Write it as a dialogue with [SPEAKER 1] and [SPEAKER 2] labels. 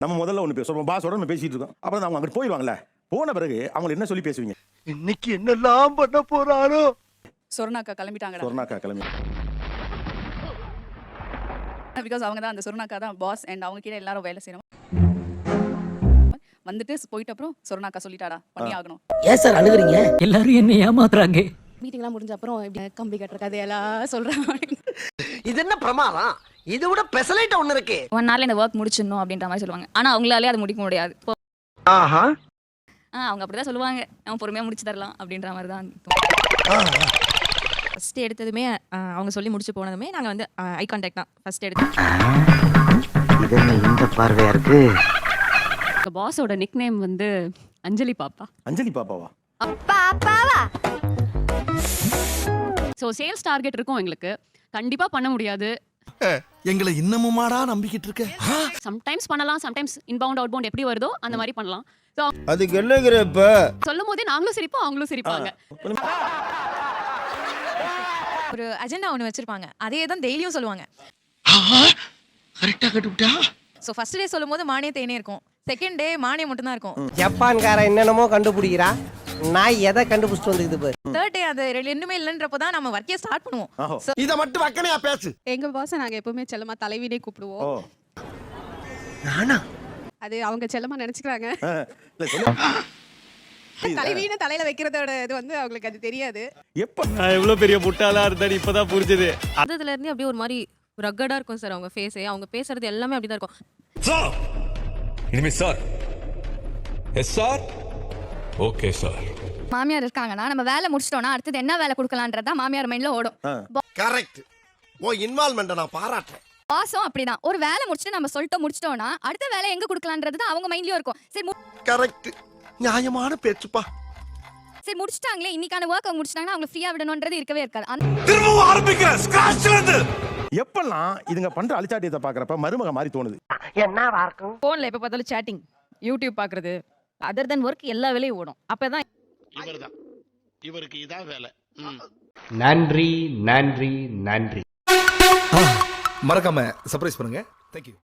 [SPEAKER 1] நம்ம முதல்ல ஒன்று பேசுவோம், பாஸோட நம்ம பேசிட்டு இருக்கோம். அப்புறம் அவங்க அங்கிட்டு போயிடுவாங்கல்ல. போன பிறகு அவங்க என்ன சொல்லி பேசுவீங்க?
[SPEAKER 2] இன்னைக்கு என்னெல்லாம் பண்ண போறாரோ.
[SPEAKER 3] சொர்ணாக்கா கிளம்பிட்டாங்கடா.
[SPEAKER 1] சொர்ணாக்கா கிளம்பி
[SPEAKER 3] பிகாஸ் அவங்க தான் அந்த சொர்ணாக்கா தான் பாஸ் அண்ட் அவங்க கீழே எல்லாரும் வேலை செய்யணும். வந்துட்டு போயிட்ட அப்புறம் சொர்ணாக்கா சொல்லிட்டாடா பண்ணி ஆகணும்.
[SPEAKER 4] ஏன் சார் அழுகுறீங்க?
[SPEAKER 5] எல்லாரும் என்ன ஏமாத்துறாங்க.
[SPEAKER 6] மீட்டிங்லாம் முடிஞ்ச அப்புறம் இப்படி கம்பி கட்டுற கதையெல்லாம் சொல்றாங்க.
[SPEAKER 2] இது என்ன பிரமாதம்? இதை விட பெசலைட் ஒண்ணு இருக்கு.
[SPEAKER 6] 1 நாள்ல இந்த ஒர்க் முடிச்சிடணும் அப்படின்ற மாதிரி சொல்லுவாங்க. ஆனா அவங்களாலே அதை முடிக்க முடியாது.
[SPEAKER 2] ஆஹா.
[SPEAKER 6] அவங்க அப்படிதான் சொல்லுவாங்க. நம்ம பொறுமையா முடிச்சு தரலாம் அப்படின்ற மாதிரி தான்.
[SPEAKER 7] ஃபர்ஸ்ட் எடுத்ததுமே அவங்க சொல்லி முடிச்சு போனதுமே நாங்க வந்து ஐ கான்டாக்ட் தான் ஃபர்ஸ்ட் எடுத்தோம்.
[SPEAKER 4] இது என்ன இந்த பார்வையா இருக்கு?
[SPEAKER 7] பாஸோட நிக் நேம் வந்து அஞ்சலி பாப்பா.
[SPEAKER 1] அஞ்சலி பாப்பாவா?
[SPEAKER 7] ஸோ சேல்ஸ் டார்கெட் இருக்கும் எங்களுக்கு. கண்டிப்பா பண்ண முடியாது.
[SPEAKER 2] எங்களை இன்னமுமாடா நம்பிக்கிட்டு இருக்க?
[SPEAKER 7] சம்டைம்ஸ் பண்ணலாம், சம்டைம்ஸ் இன்பவுண்ட் அவுட்பவுண்ட் எப்படி வருதோ அந்த மாதிரி பண்ணலாம். ஸோ
[SPEAKER 2] அதுக்கு என்னங்கிற இப்ப
[SPEAKER 7] சொல்லும் போதே நாங்களும் சிரிப்போம், அவங்களும் சிரிப்பாங்க.
[SPEAKER 6] ஒரு அஜெண்டா ஒன்று வச்சிருப்பாங்க. அதே தான் டெய்லியும் சொல்லுவாங்க.
[SPEAKER 2] கரெக்டா கட்டுவிட்டா?
[SPEAKER 6] ஸோ ஃபர்ஸ்ட் டே சொல்லும் போது மானிய தேனே இருக்கும். செகண்ட் டே மானியம் மட்டும் தான் இருக்கும்.
[SPEAKER 4] ஜப்பான்கார என்னென்னமோ கண்டுபிடிக்கிறா, நான் எதை கண்டுபிடிச்சிட்டு வந்துக்குது பாரு.
[SPEAKER 6] தேர்ட் டே அது ரெண்டுமே இல்லைன்றப்போ தான் நம்ம ஒர்க்கே ஸ்டார்ட் பண்ணுவோம். So,
[SPEAKER 2] இத மட்டும் வக்கனையா பேசு.
[SPEAKER 8] எங்க பாஸை நாங்க எப்பவுமே செல்லமா தலைவினே கூப்பிடுவோம்.
[SPEAKER 1] ஓ.
[SPEAKER 2] நானா?
[SPEAKER 8] அது அவங்க செல்லமா நினைச்சுக்கிறாங்க.
[SPEAKER 1] இல்ல சொல்லு.
[SPEAKER 8] தலைவின தலையில வைக்கிறதோட இது வந்து அவங்களுக்கு அது தெரியாது.
[SPEAKER 1] எப்ப
[SPEAKER 9] நான் எவ்வளவு பெரிய முட்டாளா இருந்தேன்னு இப்பதான் புரிஞ்சது.
[SPEAKER 7] அதுல இருந்து அப்படியே ஒரு மாதிரி ரக்கடா இருக்கும் சார் அவங்க ஃபேஸே. அவங்க பேசுறது எல்லாமே அப்படிதான் இருக்கும்.
[SPEAKER 10] சார் இனிமே sir yes sir okay sir.
[SPEAKER 6] மாமியார் இருக்காங்கன்னா நம்ம வேலை முடிச்சிட்டோம்னா அடுத்தது என்ன வேலை கொடுக்கலான்றதா மாமியார் மைண்ட்ல ஓடும்.
[SPEAKER 2] கரெக்ட். ஓ இன்வால்வ்மென்ட் நான் பாராட்டுறேன்.
[SPEAKER 6] பாஸும் அப்படிதான். ஒரு வேலை முடிச்சுட்டு நம்ம சொல்லிட்டு முடிச்சிட்டோம்னா அடுத்த வேலை எங்க கொடுக்கலான்றது தான் அவங்க மைண்ட்லயும் இருக்கும். சரி
[SPEAKER 2] கரெக்ட். நியாயமான பேச்சுப்பா.
[SPEAKER 6] சரி முடிச்சிட்டாங்களே, இன்னைக்கான ஒர்க் அவங்க முடிச்சிட்டாங்கன்னா அவங்க ஃப்ரீயா விடணும்ன்றது இருக்கவே இருக்காது.
[SPEAKER 10] திரும்பவும் ஆரம்பிக்கிறேன் ஸ்கிராச்ல இருந்து.
[SPEAKER 1] எப்பெல்லாம் இதுங்க பண்ற அழிச்சாட்டியத்தை பாக்குறப்ப மருமக மாதிரி தோணுது?
[SPEAKER 4] என்னவா இருக்கும்?
[SPEAKER 7] போன்ல எப்ப பார்த்தாலும் சேட்டிங், யூடியூப் பாக்குறது, அதர் தென் ஒர்க் எல்லா வேலையும் ஓடும். அப்பதான்
[SPEAKER 2] இவர்தான். இவருக்கு இதான் வேலை.
[SPEAKER 9] நன்றி நன்றி நன்றி.
[SPEAKER 2] மறக்காம சர்ப்ரைஸ் பண்ணுங்க. Thank you.